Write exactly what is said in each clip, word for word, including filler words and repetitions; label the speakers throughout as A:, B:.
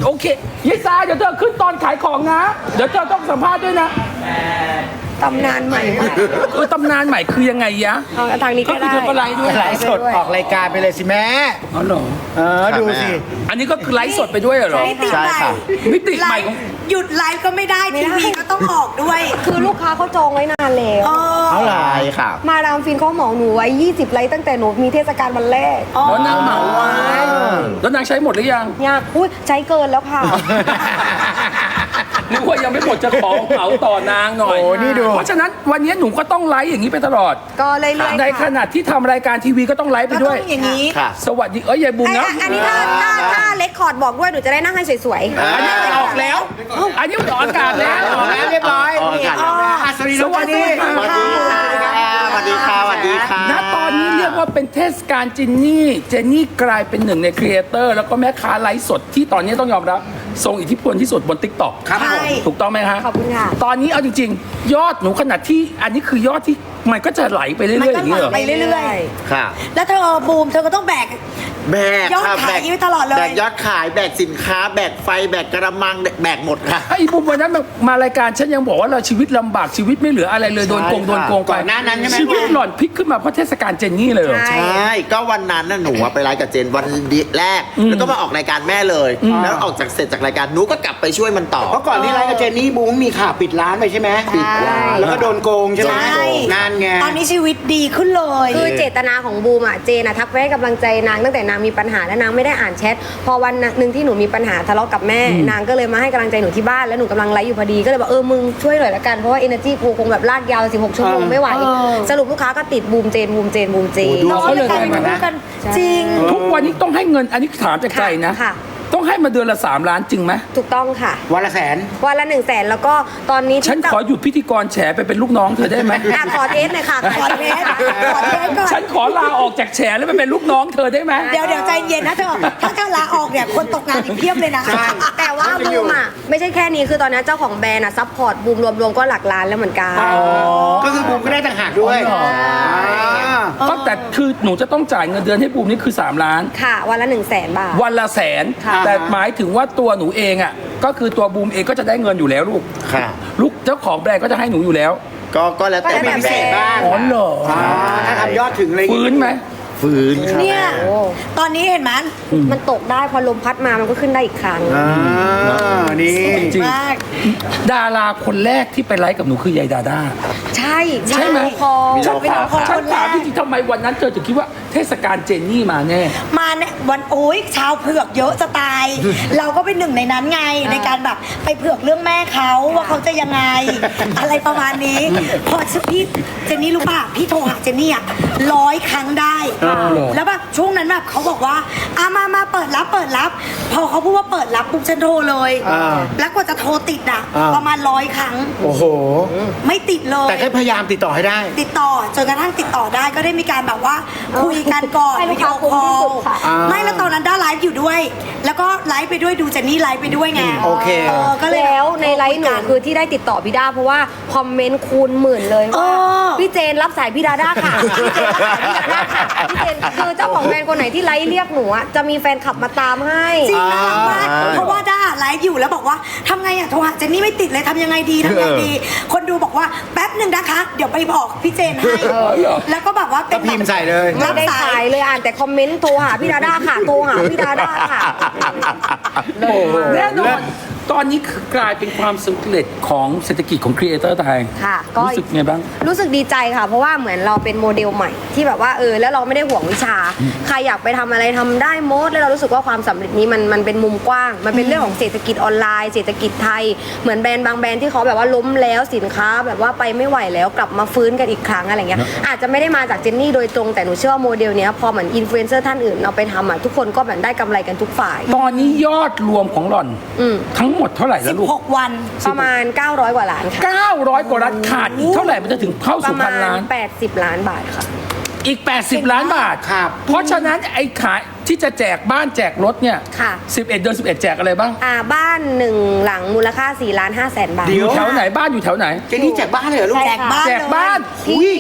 A: โอเคยายซาเดี๋ยวเธอขึ้นตอนขายของนะ เดี๋ยวเธอต้องสัมภาษณ์ด้วยนะ
B: ตำนานใหม่ค่ะ
A: เออตำนานใหม่คือยังไงยะ
B: เอาทางนี้
A: ก็
B: ก็
A: คือ
B: ได้
A: เธอก็ไลฟ์ด้วย
C: ไลฟ์สดออกรายการไปเลยสิแม่
A: อ๋อเหรอ
C: เออดูสิ
A: อันนี้ก็คือไลฟ์สดไปด้วยเหรอ
D: มิติ
C: ใช่
D: ใหม่
C: ค่ะ
A: มิติใหม่ของ
D: หยุดไลฟ์ก็ไม่ได้ทีวีก็ต้องออกด้วย
B: คือลูกค้าเขาจองไว้นานแล้ว
D: เออ
C: เอาหลายค่ะ
B: มาดามฟินเขาเหมาหนูไว้ยี่สิบไลท์ตั้งแต่หนูมีเทศกาลวันแรก
A: แล้วนางเหมาไว้แล้วนางใช้หมดหรือยัง
B: ยากอุ้ยใช้เกินแล้วค่ะ
A: นึกว่ายังไม่หมดจะขอเหมาต่อนางหน่อย
C: โอ้นี่ดู
A: เพราะฉะนั้นวันนี้หนูก็ต้องไลฟ์อย่างนี้ไปตลอด
B: ก็เรื่อยๆ
A: ในข
B: ค่ะ
A: ณะที่ทำรายการทีวีก็ต้องไลฟ์ไป
D: ก็
A: ด้
D: ต้
A: ว
D: อย งอย่างนี้
C: ค่ะ
A: สวัสดีเอ้ยยายบุ๋ม
B: ไอ้
A: นะ
B: อันนี้ถ้าถ้าถ้าเล็กคอร์ดบอกด้วยหนูจะได้นั่งให้สวย
A: อันนี้มันออกแล้ว อันนี้มันออกอากาศแล้ว
C: ออกแล้วเรียบร้อย
E: ออกอากาศแล้ว
C: อ่ะสวัสดีน้องเจนนี่
A: สวัสดีค่ะ
E: สวัสดีค่ะสวัสดีค่ะ
A: ณตอนนี้เรียกว่าเป็นเทศกาลจินนี่ เจนนี่กลายเป็นหนึ่งในครีเอเตอร์แล้วก็แม่ค้าไลฟ์สดที่ตอนนี้ต้องยอมรับทรงอิทธิพลที่สุดบน ติ๊กต็อก
C: ครับผม
A: ถูกต้องไหมฮะ
B: ๆขอบคุณค่ะ
A: ตอนนี้เอาจริงๆ ยอดหนูขนาดที่อันนี้คือยอดที่มันก็จะไหลไปเรื่อยๆอย่างนี้เหรอ
D: ไปเรื่อย
E: ค่ะ
D: ๆ แล้วเธอบูมเธอก็ต้องแบก
E: แบก
D: ยอด
E: ค่ะ
D: ขาย
E: แบก
D: อยู่ตลอดเลย
E: แบกยอดขายแบกสินค้า แบกไฟแบกกระมังแบกหมดค่ะ
A: ไอ้บุมวันนั้นมารายการฉันยังบอกว่าเราชีวิตลำบากชีวิตไม่เหลืออะไรเลยโดนโกง
E: ใช่
A: โดน
E: ค่ะ
A: โกงไป
C: ก่อนหน้านั้นใช่ไหม
A: ชีวิตหล่อนพลิกขึ้นมาเพราะเทศกาลเจนนี่เลยเหรอ
B: ใช่
E: ใช่ ก็วันนั้นน่ะหนูอะไปไลฟ์กับเจนวันแรก
A: อืม
E: แล้วก็มาออกรายการแม่เลย แล้วออกจากเสร็จจากรายการหนูก็กลับไปช่วยมันต่อ
C: เพราะก่อนที่ไลฟ์กับเจนนี่บูมมีข่าวปิดร้านไปใช่ไหม
B: ปิดร้าน
C: แล้วก็โดนโกงใช่ไหม
D: ใช่
C: งานไง
D: ตอนนี้ชีวิตดีขึ้นเลย
B: คือเจตนาของบูมอ่ะเจนอะทักไปให้กำลังใจนางตั้งแต่นางมีปัญหาและนางไม่ได้อ่านแชทพอวันหนึ่งที่หนูมีปัญหาทะเลาะกับแม่ นางก็เลยมาให้กำลังใจหนูที่บ้านแล้วหนูกำลังไลฟ์อยู่พอดีก็เลยบอกเออมึงช่วยหน่อยละกันเพราะว่า energy กูคงแบบลากยาวสิบหกชั่วโมงไม่ไหว
D: เออ
B: สรุปลูกค้าก็ติดบูมเจนบูมเจนบูมเจน
C: ดู
D: น้อง
A: เขาเลย
D: กลายเป็น
A: ได้มานะ
D: คู่กันจริง
A: ทุกวันนี้ต้องให้เงินอันนี้ถามจากใจนะ
B: ค่ะ
A: ต้องให้มาเดือนละสามล้านจริงไหม
B: ถูกต้องค่ะ
C: วันละแสน
B: วันละหนึ่งแสนแล้วก็ตอนนี้
A: ฉันขอหยุดพิธีกรแฉไปเป็นลูกน้องเธอได้ไหม
B: อ่ะขอเทสหน่อยค่ะ
D: ขอเทสขอเทสก่อน
A: ฉันขอลาออกจากแฉแล้วไปเป็นลูกน้องเธอได้ไหม
D: เดี๋ยวเดี๋ยวใจเย็นนะเธอ ถ้าเธอลาออกเนี่ยคนตกงานอีกเพียบเลยนะ
B: แต่ว่าบูมอ่ะไม่ใช่แค่นี้คือตอนนี้เจ้าของแบรนด์อ่ะซัพพอร์ตบูมรวมๆก็หลักล้านแล้วเหมือนกัน
C: ก็คือบูมก็ได้ต่างหากด้วย
A: อ๋อ
C: อ่า
A: ก็แต่คือหนูจะต้องจ่ายเงินเดือนให้บูมนี่คือสามล้าน
B: ค่ะ วันละหนึ่งแสนบาท
A: วันละแสน
B: ค่ะ
A: แต่หมายถึงว่าตัวหนูเองอ่ะก็คือตัวบูมเองก็จะได้เงินอยู่แล้วลูก
E: ค่ะ
A: ลูกเจ้าของแบรนด์ก็จะให้หนูอยู่แล้ว
E: ก็ก็แล้วแต่
B: ก็แล้วแต่
E: แบรนด์
C: บ้าง
A: อ๋อเหรอ
C: อ่าถ้าทำยอดถึงอะไรอย่าง
A: ฟื้
C: งี้
A: นไหม
E: ฟื้นค่ะ
D: เนี่ย
B: โอ้
D: ตอนนี้เห็นไหม
B: มันตกได้พอลมพัดมามันก็ขึ้นได้อีกครั้ง
C: อ่านี่
A: จริง
D: มาก
A: ดาราคนแรกที่ไปไลฟ์กับหนูคือยายดาด้า
B: ใช่
A: ใช่ไหม
B: พอ
A: ฉัน
D: เป็น
A: ถาม
D: คน
A: ฉัน
D: คนแร
A: ถาม
D: ก
A: จริงๆทำไมวันนั้นเธอถึงคิดว่าเทศกาลเจนนี่มาแน่
D: มาเนี่ยวันโอ้ยชาวเผือกเยอะจะตาย เราก็เป็นหนึ่งในนั้นไงในการแบบไปเผือกเรื่องแม่เขาว่าเขาจะยังไง อะไรประมาณนี้ พอพี่เจนนี่รู้ป่ะพี่โทรหาเจนนี่อะร้อยครั้งได้
A: อ่าเหรอ
D: แล้วแบบช่วงนั้นแบบเขาบอกว่าอามามาเปิดรับเปิดรับ พอเขาพูดว่าเปิดรับปุ๊บฉันโทรเลย
C: อ่า
D: แล้วกว่าจะโทรติดอะ
C: อ่า
D: ประมาณร้อยครั้ง
C: โอ้โห
D: ไม่ติดเลย
C: แต่แค่พยายามติดต่อให้ได้
D: ติดต่อจนกระทั่งติดต่อได้ก็ได้มีการแบบว่าคุยกันก่อน
B: ให้ลู
D: วิ
B: ก
D: ดี
B: ค้า
D: โอคอ
B: คุ้มที่สุ
D: ล
B: ดค่ะ
C: อ่า
D: ไม่แล้วตอนนั้นด้าไลฟ์อยู่ด้วย แล้วก็ไลฟ์ไปด้วยดูเจนนี่ไลฟ์ไปด้วยไง
C: โอเค
D: เออก็เลย
B: แล้วในไลฟ์หนูคือที่ได้ติดต่อพี่ด้าเพราะว่าคอมเมนต์คูณหมื่นเลย
D: เอ
B: ว่า
D: อ
B: พี่เจนรับสายพี่ดาด้าค่ะพี่เจนรับสายพี่ดาด้าค่ะพี่เจนคือเจ้าของแบรนด์คนไหนที่ไลฟ์เรียกหนูอะจะมีแฟนคลับมาตามให้
D: จริงน่ารักมาก
E: อ่า
D: เพราะว่าด้าไลฟ์อยู่แล้วบอกว่าทำไงอะโทรหาเจนนี่ไม่ติดเลยทำยังไงดีทำยังไงดี คนดูบอกว่าแป๊บหนึ่งนะคะ เดี๋ยวไปบอกพี่เจนให้ แล้วก็แบบว่าเป็
C: ก็
D: น
C: พิมพ์ใส่เลย
B: ไม่ได้ขายเลยอ่านแต่คอมเมนต์โทรหาพี่ดาด้าค่ะโทรหาพี่ดาด้าค่ะ
A: แน่นอนตอนนี้คือกลายเป็นความสำเร็จของเศรษฐกิจของครีเอเตอร์ไทย
B: ค่ะก็
A: รู้สึกไงบ้าง
B: รู้สึกดีใจค่ะ เพราะว่าเหมือนเราเป็นโมเดลใหม่ที่แบบว่าเออแล้วเราไม่ได้ห่วงวิชา ใครอยากไปทำอะไรทำได้หมดแล้วเรารู้สึกว่าความสำเร็จนี้มันมันเป็นมุมกว้าง มันเป็นเรื่องของเศรษฐกิจออนไลน์เศรษฐกิจไทยเหมือนแบรนด์บางแบรนด์ที่เขาแบบว่าล้มแล้วสินค้าแบบว่าไปไม่ไหวแล้วกลับมาฟื้นกันอีกครั้งอะไรเงี้ยอาจจะไม่ได้มาจากเจนนี่โดยตรงแต่หนูเชื่อว่าโมเดลเนี้ยพอเหมือนอินฟลูเอนเซอร์ท่านอื่นเอาไปทำอ่ะทุกคนก็แบบได้กำไรกันทุกฝ่าย
A: ตอนนี้ยอดรวมของหล่อน
B: อืม
A: ทั้งหมดเท่าไหร่แล้วลูก
D: หกวัน
B: ประมาณเก้าร้อยกว่าล้านค่ะ
A: เก้าร้อยกว่าล้านขาดอีกเท่าไหร่มันจะถึงเข้า
B: ประ
A: สู่
B: มา
A: พัน
B: ณ
A: ล้าน
B: แปดสิบล้านบาทค่ะ
A: อีก แปดสิบ ล้านบาท
C: ครับ
A: เพราะฉะนั้นไอ้ขายที่จะแจกบ้านแจกรถเนี่ย
B: ค่ะ
A: สิบเอ็ดเดือนสิบเอ็ดแจกอะไรบ้าง
B: อ่าบ้านหนึ่งหลังมูลค่าสี่ล้านห้าแสนบาท
C: เดี๋
A: อยู่แถวไหนบ้านอยู่แถวไหน
C: เจนนี่แจกบ้านเลยเหรอลูก
D: แจกบ้าน
A: แจกบ้าน
B: ที่
A: อุ้ย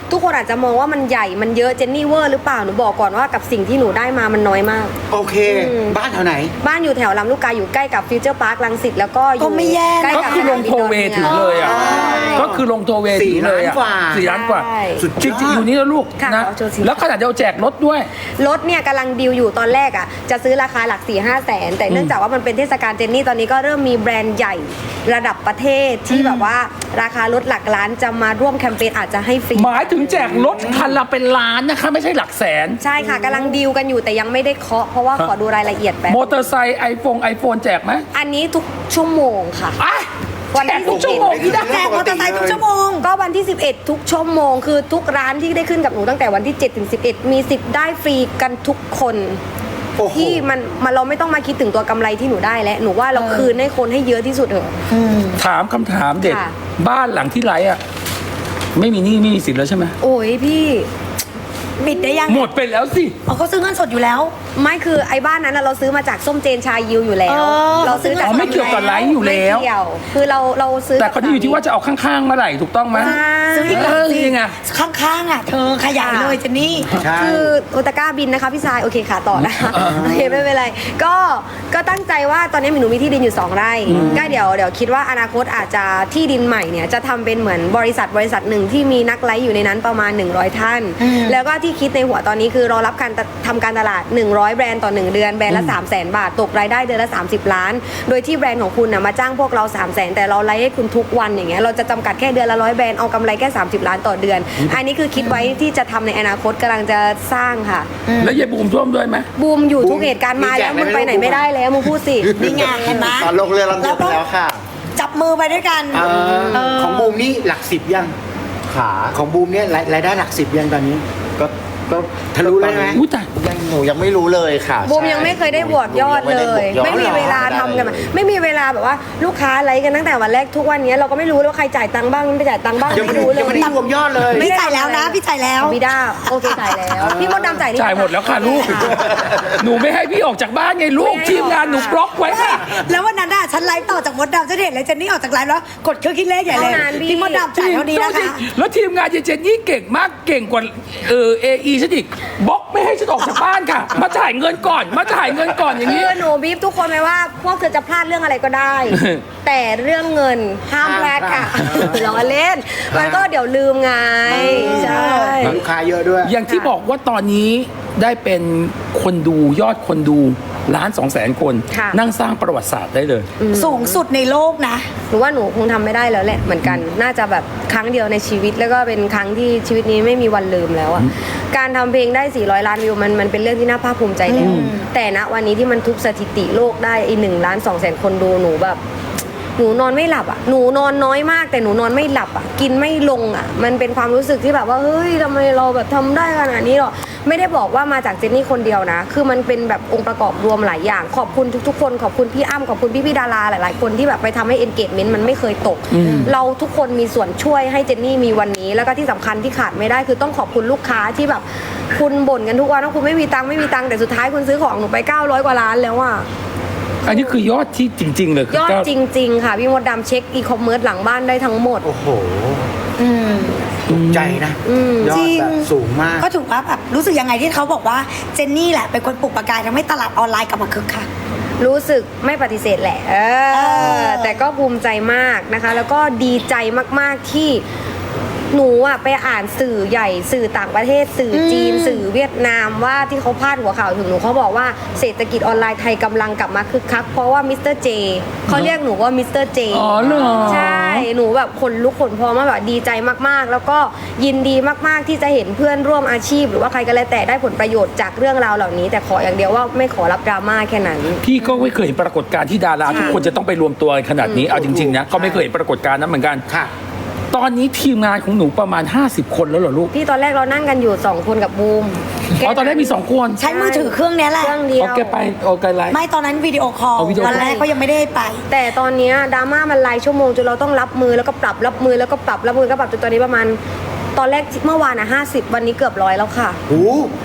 B: ทุกคนอาจจะมองว่ามันใหญ่มันเยอะเจนนี่เวอร์หรือเปล่าหนูบอกก่อนว่ากับสิ่งที่หนูได้มามันน้อยมาก
C: โอเค
B: อืม
C: บ้านแถวไหน
B: บ้านอยู่แถวลำลูกกาอยู่ใกล้กับฟิวเจอร์พาร์ครังสิตแล้วก็อยู่
D: ก็ไม่แย่
B: ใกล้
A: ก็
B: กับ
A: คือลงโทเวถึงเลยอ่ะ
B: ใช่
A: ก็คือลงโทเวถึงเลยอ่ะ
C: สี่ล้านกว่า
A: สี่ล้านกว่า
B: ใช่
C: สุด
A: จริงๆอยู่นี่แล้วลูก
B: ค่ะ
A: นะ
B: เอาโชว์สิ
A: แล้วขนาดเดียวแจกรถด้วย
B: รถเนี่ยกำลังดีลอยู่ตอนแรกอ่ะจะซื้อราคาหลัก4ี่ห้าแสนแต่เนื่องจากว่ามันเป็นเทศกาลเจนนี่ตอนนี้ก็เริ่มมีแบรนด์ใหญ่ระดับประเทศที่แบบว่าราคารถหลักล้านจะมาร่วมแคมเปญอาจจะให้ฟรี
A: หมายถึงแจกรถคันละเป็นล้านนะคะ ไม่ใช่หลักแสน
B: ใช่ค่ะกำลังดีลกันอยู่แต่ยังไม่ได้เคาะเพราะว่าขอดูรายละเอียดแป๊บ
A: มอเตอร์ไซค์ไอโฟนไอโฟนแจกไหม
B: อันนี้ทุกชั่วโมงค่ะ
A: อ่ะ
B: วัน
A: แจ
B: ที่
A: กทุกชั่วโมงพี่ได้
D: แจกมอเตอร์ไซค์ทุกชั่วโมง
B: ก็วันที่ สิบเอ็ด ทุกชั่วโมง คือทุกร้านที่ได้ขึ้นกับหนูตั้งแต่วันที่ เจ็ด ถึง สิบเอ็ด มีสิทธิ์ได้ฟรีกันทุกคน
C: โอ้โห
B: ที่มันมันเราไม่ต้องมาคิดถึงตัวกำไรที่หนูได้แล้วหนูว่าเราคืนให้คนให้เยอะที่สุดเถอะ
A: ถามคำถามเด็ด
B: ค่ะ
A: บ้านหลังที่ไรอ่ะ ไม่มีหนี้ไม่มีสินแล้วใช่ไหม
B: โอ้ยพี่
D: บิดได้ยัง
A: หมดไปแล้วสิ
D: อ๋อเขาซื้อเงินสดอยู่แล้ว
B: ไม่คือไอ้บ้านนั้นน่ะเราซื้อมาจากส้มเจนชายิวอยู่แล้ว
D: เออ
B: เราซื้อจาก
A: อ๋อไม่เกี่ยวกับไลฟ์อยู่แล้ว
B: ไม่เกี่ยวคือเราเราซื้อ
A: แต่เขาที่อยู่ที่ว่าจะเอาข้างๆเมื่อไหร่ถูกต้องไหม
D: ซื้ออีกหลัง
A: เออ
D: สิ
A: นี่ไง
D: ข้างๆอ่ะ เธอขยายเลยเจนนี่
C: ใช่
B: คือโอตาก้าบินนะคะพี่ชายโอเคค่ะต่อนะคะโอเคไม่เป็นไรก็ก็ตั้งใจว่าตอนนี้หนูมีที่ดินอยู่สองไร่ก็เดี๋ยวเดี๋ยวคิดว่าอนาคตอาจจะที่ดินใหม่เนี่ยจะทำเป็นเหมือนบริษัทบริษัทหนึ่งที่มีนักไลฟ์อยู่ในนั้นประมาณหนึ่งร้อยท่าน
D: อืม
B: แล้วก็ที่คิดในหัวตอนนี้คือรอรับการทำการตลาดหนึ่งร้อยแบรนด์ต่อหนึ่งเดือนแบรนด์ละสามแสนบาทตกรายได้เดือนละสามสิบล้าน โดยที่แบรนด์ของคุณนะมาจ้างพวกเราสามแสนแต่เราไลฟ์ให้คุณทุกวันอย่างเงี้ยเราจะจำกัดแค่เดือนละร้อยแบรนด์เอากำไรแค่สามสิบล้านต่อเดือน อันนี้คือคิดไว้ที่จะทำในอนาคตกำลังจะสร้างค่ะ
A: แล้วยายบูมท่วมด้วยไหม
B: บูมอยู่ทุกเหตุการณ์มาแล้วมึงไปไหนไม่ได้แล้วมึงพูดสิ
D: นี่ไงเห็นไหม
E: ตอนลงเรือลำเดียวไปแล้วค่ะ
D: จับมือไปด้วยกัน
C: เออ
D: เออ
C: ของบูมนี่หลักสิบยัง
E: ขา
C: ของบูมเนี่ยรายรายได้หลักสิบยังตอนนี้
E: ก็ก็
C: ทะลุแล้วใช่ไหม
A: อุ้ยแต่
E: ยังหนูยังไม่รู้เลยค่ะ
B: บูม
E: ใช่
B: ยังไม่เคยได้บวกยอด
E: หนู
B: เล
E: ง
B: ย ไม่มี
E: ด้บวกยอด
B: เวลาทำกันมาไม่มีเวลาแบบว่าลูกค้าไลฟ์กันตั้งแต่วันแรกทุกวันนี้เราก็ไม่รู้ว่าใครจ่ายตังค์บ้างไม่จ่ายตังค์บ้าง
C: ยังไม่
B: ไม่รู้เลย
C: ยังไม่ได้รวมยอดเลย
B: ไม่
D: พี่
B: ได้
D: จ่ายแล้วนะ พี่จ่ายแล้ว
B: พี่ด้าโอเคจ่ายแล้วพี่มดดำจ่ายนี่
A: จ่ายหมดแล้วค่ะลูก หนูไม่ให้พี่ออกจากบ้านไงลูก
B: ไม่ให้
A: ทีมงานหนู
B: ออกค่ะ
A: บล็อกไว้ค่ะ
D: แล้ววันนั้นอ่ะฉันไลฟ์ต่อจากมดดำฉันเห็นเลยเจนนี่ออกจากไลฟ์แล้วกดเครื่องคิดเลขใหญ่เลย
B: เท่านั้นพี่
D: พี่มดดำจ่ายเท่านี้นะคะ
A: แล้วทีมงานเจนนี่เก่งมากเก่งกว่าเออเอไอฉันอีกบล็อกไม่ให้ฉันออกจากบ้านค่ะ มาจ่ายเงินก่อน มาจ่ายเงินก่อนอย่าง
B: คื
A: นี้
B: อหนูบีบทุกคนไหมว่าพวกเธอจะพลาดเรื่องอะไรก็ได้ แต่เรื่องเงินห้ามพลาดค่ะล้อเล่น มันก็เดี๋ยวลืมไงใช่
C: ลูกค้าเยอะด้วย
A: อย่างที่บอกว่าตอนนี้ได้เป็นคนดูยอดคนดูล้านสองแสนคน
B: ค่ะ
A: นั่งสร้างประวัติศาสตร์ได้เลย
D: สูงสุดในโลกนะ
B: หนูว่าหนูคงทำไม่ได้แล้วแหละเหมือนกัน น่าจะแบบครั้งเดียวในชีวิตแล้วก็เป็นครั้งที่ชีวิตนี้ไม่มีวันลืมแล้วอะการทำเพลงได้สี่ร้อยล้านวิวมันมันเป็นเรื่องที่น่าภาคภูมิใจแล้ว แต่ณวันนี้ที่มันทุบสถิติโลกได้อีหนึ่งล้านสองแสนคนดูหนูแบบ หนูนอนไม่หลับอ่ะ หนูนอนน้อยมากแต่หนูนอนไม่หลับอ่ะ กินไม่ลงอ่ะ มันเป็นความรู้สึกที่แบบว่าเฮ้ยทำไมเราแบบทำได้ขนาดนี้หรอ ไม่ได้บอกว่ามาจากเจนนี่คนเดียวนะ คือมันเป็นแบบองค์ประกอบรวมหลายอย่าง ขอบคุณทุกๆคน ขอบคุณพี่อ้ำขอบคุณพี่พี่ๆดาราหลายๆคนที่แบบไปทำให้ engagement มันไม่เคยตก เราทุกคนมีส่วนช่วยให้เจนนี่มีวันนี้ แล้วก็ที่สำคัญที่ขาดไม่ได้คือต้องขอบคุณลูกค้าที่แบบคุณบ่นกันทุกวันว่าคุณไม่มีตังค์ไม่มีตังค์แต่สุดท้ายคุณซื้อของหนูไปเก้าร้อยกว่าล้านแล้วอ่ะ
A: อันนี้คือยอดที่จริง ๆ เลยคื
B: ยอด
A: เก้า
B: จริง ๆ ค่ะ พี่มดดำเช็คอีคอมเมิร์ซหลังบ้านได้ทั้งหมด
C: โอ้โห
D: อืม
C: ตกใจนะ
B: อืม
C: ยอ
D: จริ
C: ด
D: ง
C: แบบสูงมาก
D: ก็ถือว่าแบบรู้สึกยังไงที่เขาบอกว่าเจนนี่แหละเป็นคนปลุกประกายทำให้ตลาดออนไลน์กลับมาคึกคัก
B: รู้สึกไม่ปฏิเสธแหละ เอ
D: เอ
B: อ
D: อ
B: แต่ก็ภูมิใจมากนะคะ แล้วก็ดีใจมากๆที่หนูอะไปอ่านสื่อใหญ่สื่อต่างประเทศ สื่อจีน สื่อเวียดนามว่าที่เขาพาดหัวข่าวถึงหนูเขาบอกว่าเศรษฐกิจออนไลน์ไทยกำลังกลับมาคึกคักเพราะว่ามิสเตอร์เจเขาเรียกหนูว่ามิสเตอร์เจ
A: อ๋อเหรอ
B: ใช่หนูแบบคนลุกขนพองมากแบบดีใจมากๆ แล้วก็ยินดีมากๆที่จะเห็นเพื่อนร่วมอาชีพ หรือว่าใครก็แล้วแต่ได้ผลประโยชน์จากเรื่องราวเหล่านี้ แต่ขออย่างเดียวว่าไม่ขอรับดราม่าแค่นั้น
A: พี่ก็ไม่เคยเห็นปรากฏการณ์ที่ดาราทุกคนจะต้องไปรวมตัวกันขนาดนี้ เอาจริง ๆ นะ ก็ไม่เคยเห็นปรากฏการณ์นั้นเหมือนกัน
C: ค่ะ
A: ตอนนี้ทีมงานของหนูประมาณ ห้าสิบ คนแล้วเหรอลูก
B: พี่ตอนแรกเรานั่งกันอยู่สองคนกับบูม
A: อ๋อ ตอนแรกมีสองคน
D: ใช้มือถือเครื่องเนี้ยแหละ
B: เครื่องเดียว
A: โอเคไปโอเคไลฟ์
D: ไม่ตอนนั้นวิดีโอคอล
A: เอาวิดีโอ
D: ตอนแรกเขายังไม่ได้ไป
B: แต่ตอนเนี้ยดราม่ามันรายชั่วโมงจนเราต้องรับมือแล้วก็ปรับรับมือแล้วก็ปรับรับมือก็ปรับจนตอนนี้ประมาณ ตอนแรกเมื่อวานอ่ะห้าสิบวันนี้เกือบร้อยแล้วค่ะ
C: โอ้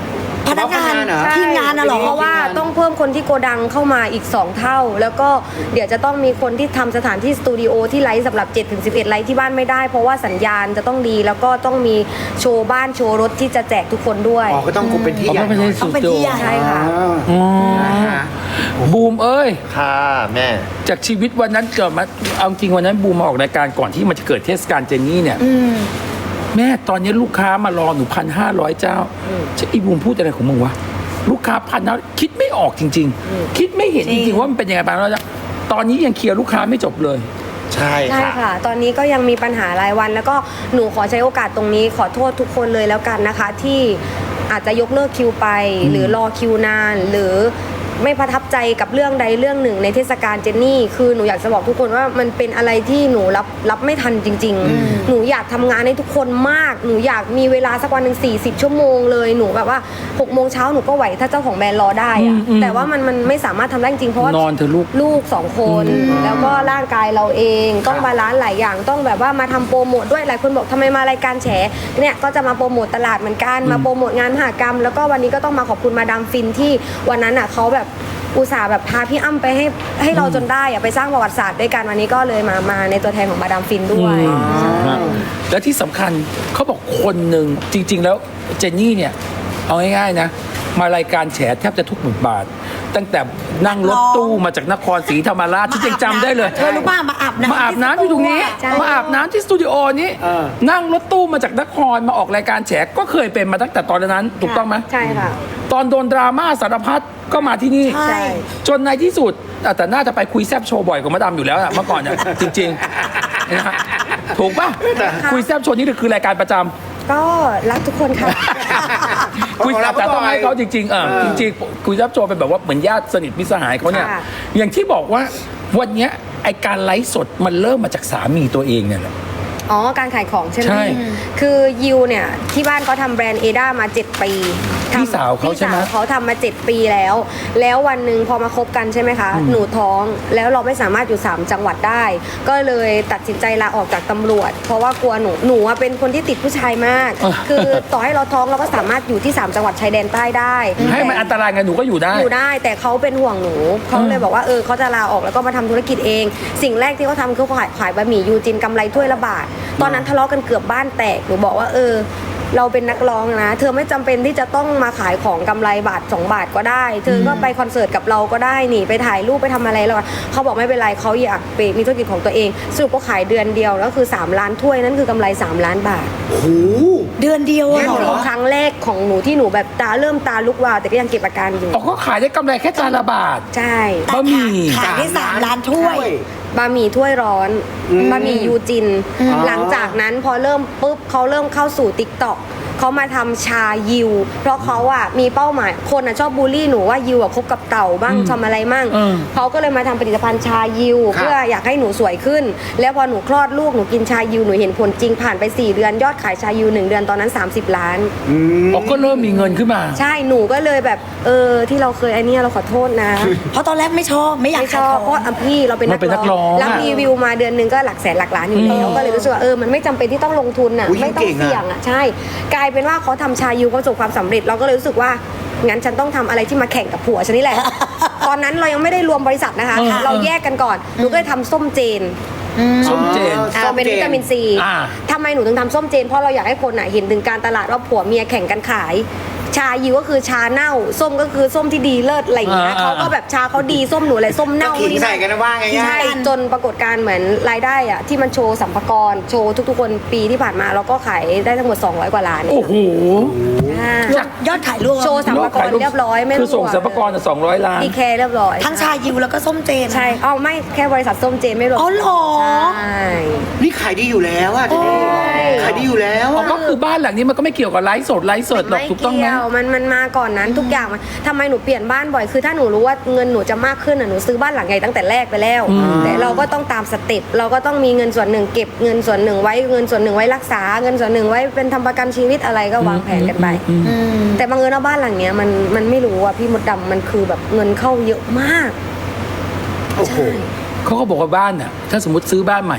D: พนักงาน
C: พนักงานเหรอ
D: ทีมงานน่ะเหรอ
B: เพราะว่าต้องเพิ่มคนที่โกดังเข้ามาอีก สอง เท่า แล้วก็เดี๋ยวจะต้องมีคนที่ทำสถานที่สตูดิโอที่ไลฟ์สำหรับ เจ็ดถึงสิบเอ็ด ไลฟ์ที่บ้านไม่ได้ เพราะว่าสัญญาณจะต้องดี แล้วก็ต้องมีโชว์บ้านโชว์รถที่จะแจกทุกคนด้วย
C: อ๋อก็ต้องเป็นที่
A: อ๋อ
C: ใหญ่
A: ไม่
C: หน่
A: ใช่
C: อย
A: สุด
D: เป็น
A: โด
D: ที่ใหญ่
B: ใช่ค่ะ
C: อ๋อนะฮะ
A: บูมเอ้ย
E: ค่ะแม่
A: จากชีวิตวันนั้นเกิดมาเอาจริงวันนั้นบูมมาออกรายการก่อนที่มันจะเกิดเทศกาลเจนนี่เนี่ยแม่ตอนนี้ลูกค้ามารอหนูพันห้าร้อยเจ้าจะอีบูมพูดอะไรของมึงวะลูกค้าพันนะคิดไม่ออกจริง ๆ คิดไม่เห็นจริงๆว่ามันเป็นยังไงบ้างแล้วตอนนี้ยังเคลียร์ลูกค้าไม่จบเลย
E: ใช่
B: ใช่
E: ค่ะ
B: ค่ะ ตอนนี้ก็ยังมีปัญหารายวัน แล้วก็หนูขอใช้โอกาสตรงนี้ขอโทษทุกคนเลยแล้วกันนะคะ ที่อาจจะยกเลิกคิวไป หรือรอคิวนาน หรือไม่ประทับใจกับเรื่องใดเรื่องหนึ่งในเทศกาลเจนนี่คือหนูอยากจะบอกทุกคนว่ามันเป็นอะไรที่หนูรับรับไม่ทันจริง ๆ หนูอยากทำงานให้ทุกคนมาก หนูอยากมีเวลาสักวันหนึ่งสี่สิบชั่วโมงเลยหนูแบบว่าหกโมงเช้าหนูก็ไหวถ้าเจ้าของแบรนด์รอได้อะ
A: อืมอืม
B: แต่ว่ามันมันไม่สามารถทำได้จริงเพราะว่าน
A: อนเถอะลูก
B: ลูกสองคน แล้วก็ร่างกายเราเองต้องบาลานซ์หลายอย่างต้องแบบว่ามาทำโปรโมทด้วยหลายคนบอกทำไมมารายการแฉเนี่ยก็จะมาโปรโมทตลาดเหมือนกันมาโปรโมทงานมหกรรม แล้วก็วันนี้ก็ต้องมาขอบคุณมาดามฟินที่วันนั้นอ่ะเขาแบบอุตส่าห์แบบพาพี่อ้ำไปให้ให้เราจนได้อะไปสร้างประวัติศาสตร์ด้วยกันวันนี้ก็เลยมามาในตัวแทนของมาดามฟินด้วย
A: นะและที่สำคัญเขาบอกคนหนึ่งจริง ๆ แล้วเจนนี่เนี่ยเอาง่ายๆนะมารายการแฉแทบจะทุกบทบาท ตั้งแต่นั่งรถตู้มาจากนครศรีธรรมราชที่ยังจำได้เลย
D: เธอรู้ป่ะมาอาบน้ำ
A: มาอาบน้ำอยู่ตรงนี้
B: ใช่
A: มาอาบน้ำที่สตูดิโอนี้
C: เออ
A: นั่งรถตู้มาจากนครมาออกรายการแฉก็เคยเป็นมาตั้งแต่ตอนนั้นถูกต้องไหม
B: ใช่ค่ะ
A: ตอนโดนดราม่าสารพัดก็มาที่นี่
D: ใช่
A: จนในที่สุดอ่ะแต่น่าจะไปคุยแซบโชว์บ่อยกว่ามาดามอยู่แล้วอะเมื่อก่อนเนี่ยจริงๆนะฮะถูกป่ะคุยแซบโชว์นี่คือรายการประจำ
B: ก็รักทุกคนค่ะ
A: คุย
C: ของเราก็
A: แต่ต้องให้
C: บ่อย
A: เขาจริงๆเออ
C: เออ
A: จริงๆคุยแซบโชว์เป็นแบบว่าเหมือนญาติสนิทมิตรสหายเขาเนี่ย
B: ค่ะ
A: อย่างที่บอกว่าวันเนี้ยไอการไลฟ์สดมันเริ่มมาจากสามีตัวเองเนี่ยแหละ
B: อ๋อ การขายของใช่ไหม
A: ใช่
B: คือยิวเนี่ย ที่บ้านเขาทำแบรนด์เอด้ามาเจ็ดปีทำ
A: พี่สาวเขาใช่ไหม
B: พี่สาวเขาทำมาเจ็ดปีแล้ว แล้ววันหนึ่งพอมาคบกันใช่ไหมคะ หนูท้องแล้วเราไม่สามารถอยู่ สาม จังหวัดได้ ก็เลยตัดสินใจลาออกจากตำรวจ เพราะว่ากลัวหนูหนูอะเป็นคนที่ติดผู้ชายมาก คือต่อให้เราท้องเราก็สามารถอยู่ที่ สาม จังหวัดชายแดนใต้ได้
A: ให้มันอันตรายไงหนูก็อยู่ได้
B: อยู่ได้แต่เขาเป็นห่วงหนูเขาเลยบอกว่าเออเขาจะลาออกแล้วก็มาทำธุรกิจเอง สิ่งแรกที่เขาทำคือขายขายบะหมี่ยูจินกำไรถ้วยละบาท ตอนนั้นทะเลาะกันเกือบบ้านแตกหนูบอกว่าเออ เราเป็นนักร้องนะ เธอไม่จำเป็นที่จะต้องมาขายของกำไรบาทสองบาทก็ได้ เธอก็ไปคอนเสิร์ตกับเราก็ได้นี่ไปถ่ายรูปไปทำอะไรแล้วอะเขาบอกไม่เป็นไรเขาอยากไปมีธุรกิจของตัวเองสรุปก็ขายเดือนเดียวแล้วคือสามล้านถ้วยนั่นคือกำไรสามล้านบาท
C: โอ้โห
D: เดือนเดียว
C: เดื
D: อะ
C: อน
D: เหร
C: เดียว
D: อ
B: ครั้งแรกของหนูที่หนูแบบตาเริ่มตาลุกวาวแต่ก็ยังเก็บอาการอยู่
A: อ๋อก็ขายได้กำไรแค่จานละบาท
B: ใช่
A: บะหมี่
D: ขายได้สามล้านถ้วย
B: บะหมี่ถ้วยร้อน
C: อืม
B: บะหมี่ยูจิน
C: อ๋อ
B: หลังจากนั้นพอเริ่มปุ๊บเขาเริ่มเข้าสู่ติ๊กต็อกเขามาทำชายิว เพราะเขาอะมีเป้าหมายคนอะชอบบูลลี่หนูว่ายิวอะคบกับเต่าบ้าง
A: อืม
B: ทำอะไรมั่ง
A: เออ
B: เขาก็เลยมาทำผลิตภัณฑ์ชายิว
C: ครับ
B: เพื่ออยากให้หนูสวยขึ้น แล้วพอหนูคลอดลูกหนูกินชายิวหนูเห็นผลจริงผ่านไปสี่เดือนยอดขายชายิวหนึ่งเดือนตอนนั้นสามสิบล้าน
C: อืม
A: อ๋อก็เริ่มมีเงินขึ้นมา
B: ใช่หนูก็เลยแบบเออที่เราเคยไอ้เนี่ยเราขอโทษนะ
D: เพราะตอนแรกไม่ชอบไม่อยาก
B: ไม่ช
D: ขาย
B: อบ
D: ข
B: เพ
D: อง
B: ราะอ่ะพี่เราเป็น
A: มันเป็นนักร้อง
B: รับ
A: อะ
B: รีวิวมาเดือนหนึงก็หลักแสนหลักล้านอยู่แล้ว
A: อืม
B: ก็เลยรู้สึกว่าเออมันไม่จำเป็นที่ต้องลงทุนอ่ะ
C: อุ๊ย
B: ไม่ต้อ
C: เก่
B: ง
C: งอะ
B: เสี่ยงอ่ะใช่ กลายเป็นว่าเขาทำชายูเขาประสบความสำเร็จเราก็เลยรู้สึกว่างั้นฉันต้องทำอะไรที่มาแข่งกับผัวฉันนี่แหละ ตอนนั้นเรายังไม่ได้รวมบริษัทนะคะ
A: เออ
B: เราแยกกันก่อนหนูก็เลยทำส้มเจน
A: ส้มเจน
B: อ่า
C: ส้ม
B: เป็น
C: เจน
B: วิตามินซี
A: อ่า
B: ทำไมหนูถึงทำส้มเจนเพราะเราอยากให้คนอ่ะเห็นถึงการตลาดว่าผัวเมียแข่งกันขาย ชายิวก็คือชาเน่า ส้มก็คือส้มที่ดีเลิศอะไรอย่างเงี้ย
A: อ่า
B: เขาก็แบบชาเขาดีส้มหนูอะไรส้มเน่า
C: ก็ขิง
B: นี่
C: ใส่กันนะว่าไง
B: ใช่จนปรากฏการณ์เหมือนรายได้อะที่มันโชว์สัมภาระโชว์ทุกๆคนปีที่ผ่านมาเราก็ขายได้ทั้งหมดสองร้อยกว่าล้าน
A: โอ้โห
B: อ่า
D: ยอดยอดขายรวม
B: โชว์สัมภาระเรียบร้อยไม่
A: คือส่งสัมภาระสองร้อยล้าน
B: ดีแคร์เรียบร้อย
D: ทั้งชายิวแล้วก็ส้มเจน
B: ใช่เอาไม่แค่บริษัทส้มเจนไม่รวม
D: อ๋อเหรอ
B: ใช่
C: นี่ขายดีอยู่แล้วอะเจนนี่ขายดีอยู่แล้ว
A: อ๋อ
C: อะ
A: ก็คือบ้านหลังนี้มันก็ไม่เกี่ยวกับไลฟ์สดไลฟ์สดหรอก
B: ไม่
A: ถูกต้องไหม
B: เกี่ยวมันมันมาก่อนนั้นทุกอย่างมันทำไมหนูเปลี่ยนบ้านบ่อยคือถ้าหนูรู้ว่าเงินหนูจะมากขึ้นอ่ะหนูซื้อบ้านหลังใหญ่ตั้งแต่แรกไปแล้ว
A: อืม
B: แต่เราก็ต้องตามสเต็ปเราก็ต้องมีเงินส่วนหนึ่งเก็บเงินส่วนหนึ่งไว้เงินส่วนหนึ่งไว้รักษาเงินส่วนหนึ่งไว้เป็นทำประกันชีวิตอะไรก็วางแผนกันไป
A: อืม
D: อืม
B: แต่บางเอิญว่าบ้านหลังเนี้ยมันมันไม่รู้อ่ะพี่มดดำมันคือแบบเงินเข้าเยอะมาก
C: โอ้โห
A: เขาก็บอกว่าบ้านน่ะถ้าสมมติซื้อบ้านใหม่อะ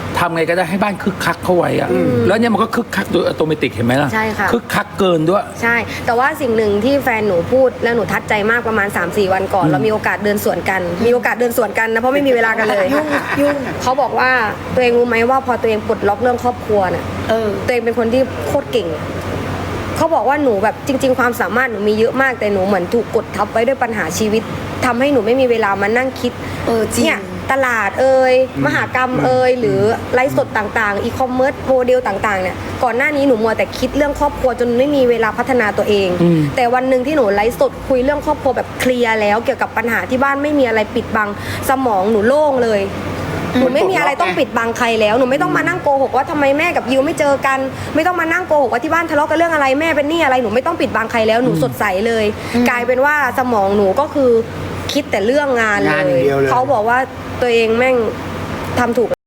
A: ทำไงก็ได้ให้บ้านคึกคักเข้าไว้อะแล้วเนี่ยมันก็คึกคักโดยอัตโนมัติเห็นไหมล่ะ
B: ใช่ค่ะ
A: คึกคักเกินด้วย
B: ใช่ แต่ว่าสิ่งหนึ่งที่แฟนหนูพูดแล้วหนูทัดใจมากประมาณ สามสี่ วันก่อน เรามีโอกาสเดินสวนกัน มีโอกาสเดินสวนกันนะเพราะไม่มีเวลากันเลย
D: ยุ่งยุ่ง
B: เขาบอกว่าตัวเองรู้ไหมว่าพอตัวเองปลดล็อกเรื่องครอบครัวน่ะ
D: เออ
B: ตัวเองเป็นคนที่โคตรเก่ง เขาบอกว่าหนูแบบจริง ๆ ความสามารถหนูมีเยอะมากแต่หนูเหมือนถูกกดทับไว้ด้วยปัญหาชีวิตทำให้หนูไม่มีเวลามานั่งคิด
D: เออจริง
B: เนี่ยตลาดเอ่ยมหากรรมเอ่ยหรือไลฟ์สดต่างๆอีคอมเมิร์ซโมเดลต่างๆเนี่ยก่อนหน้านี้หนูมัวแต่คิดเรื่องครอบครัวจนไม่มีเวลาพัฒนาตัวเอง แต่วันหนึ่งที่หนูไลฟ์สดคุยเรื่องครอบครัวแบบเคลียร์แล้วเกี่ยวกับปัญหาที่บ้านไม่มีอะไรปิดบังสมองหนูโล่งเลยหนูไม่มีอะไรต้องปิดบังใครแล้วหนูไม่ต้องมานั่งโกหกว่าทำไมแม่กับยิวไม่เจอกัน ไม่ต้องมานั่งโกหกว่าที่บ้านทะเลาะกันเรื่องอะไรแม่เป็นหนี้อะไรหนูไม่ต้องปิดบังใครแล้วหนูสดใสเลย กลายเป็นว่าสมองหนูก็คือคิดแต่เรื่องงาน
C: งาน
B: เล
C: อย่าง
B: ย
C: เดียวเลย
B: เขาบอกว่าตัวเองแม่งทำถูก